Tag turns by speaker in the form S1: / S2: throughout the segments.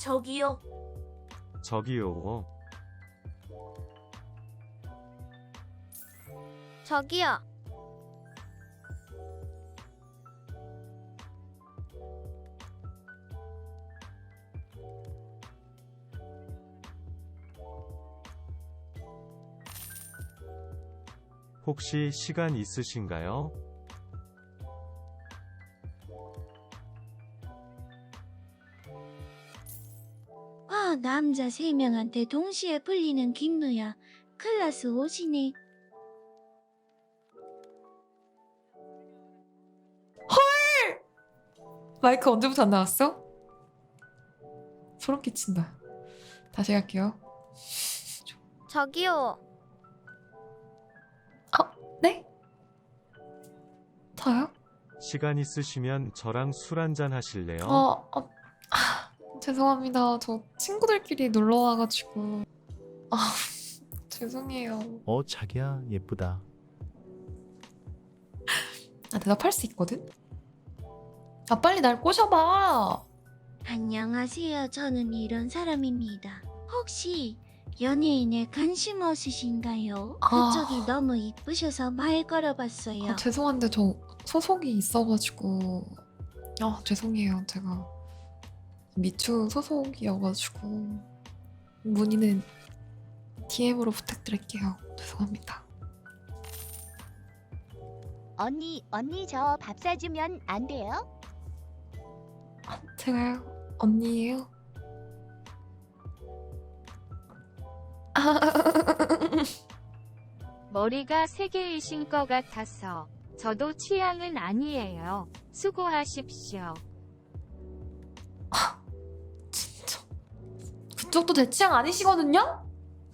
S1: 저기요.
S2: 저기요.
S3: 저기요.
S2: 혹시 시간 있으신가요?
S1: 와, 남자 3명한테 동시에 불리는 김누야. 클라스 오시네.
S4: 마이크 언제부터 안 나왔어? 소름 끼친다. 다시 갈게요.
S3: 저기요.
S4: 네? 저요?
S2: 시간 있으시면 저랑 술 한잔 하실래요?
S4: 죄송합니다. 저 친구들끼리 놀러 와가지고. 죄송해요.
S5: 자기야 예쁘다.
S4: 대답할 수 있거든? 빨리 날 꼬셔봐.
S1: 안녕하세요. 저는 이런 사람입니다. 혹시 연예인에 관심 없으신가요? 그쪽이 너무 이쁘셔서 말 걸어봤어요.
S4: 죄송한데 저 소속이 있어가지고. 죄송해요. 제가 미추 소속이어가지고 문의는 DM으로 부탁드릴게요. 죄송합니다.
S6: 언니 저 밥 사주면 안 돼요?
S4: 제가요? 언니예요?
S7: 머리가 3개이신 것 같아서 저도 취향은 아니에요. 수고하십시오.
S4: 진짜 그쪽도 제 취향 아니시거든요?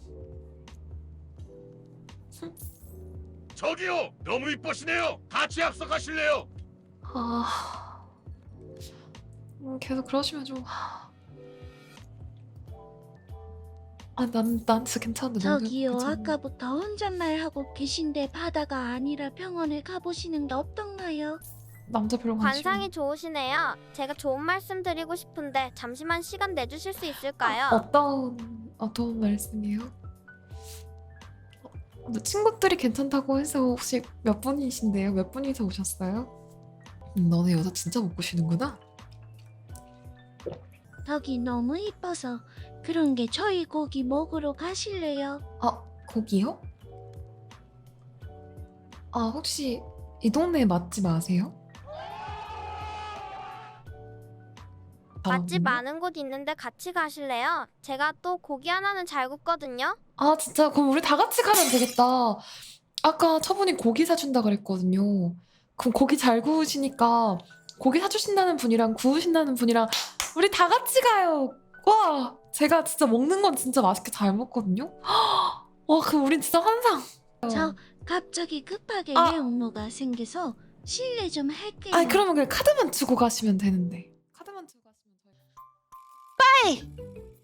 S8: 저기요! 너무 이뻐시네요! 같이 합석하실래요?
S4: 계속 그러시면 좀. 난 진짜 괜찮은데.
S1: 저기요.
S4: 너도 괜찮네.
S1: 아까부터 혼잣말 하고 계신데 바다가 아니라 병원에 가보시는 게 어떤가요?
S4: 남자 별로 관심.
S3: 관상이 좋으시네요. 제가 좋은 말씀 드리고 싶은데 잠시만 시간 내주실 수 있을까요?
S4: 어떤 말씀이에요? 근데 친구들이 괜찮다고 해서 혹시 몇 분이신데요? 몇 분이서 오셨어요? 너네 여자 진짜 못 보시는구나?
S1: 덕이 너무 이뻐서 그런 게 저희 고기 먹으러 가실래요?
S4: 거기요? 혹시 이 동네 맛집 아세요?
S3: 맛집 많은 곳 있는데 같이 가실래요? 제가 또 고기 하나는 잘 굽거든요.
S4: 진짜? 그럼 우리 다 같이 가면 되겠다. 아까 처분이 고기 사준다 그랬거든요. 그럼 고기 잘 구우시니까 고기 사주신다는 분이랑 구우신다는 분이랑 우리 다 같이 가요. 와, 제가 진짜 먹는 건 진짜 맛있게 잘 먹거든요. 와, 그럼 우린 진짜 환상.
S1: 저 갑자기 급하게 업무가 생겨서 실례 좀 할게요.
S4: 그러면 그냥 카드만 주고 가시면 되는데. 카드만 주고 가시면 저희.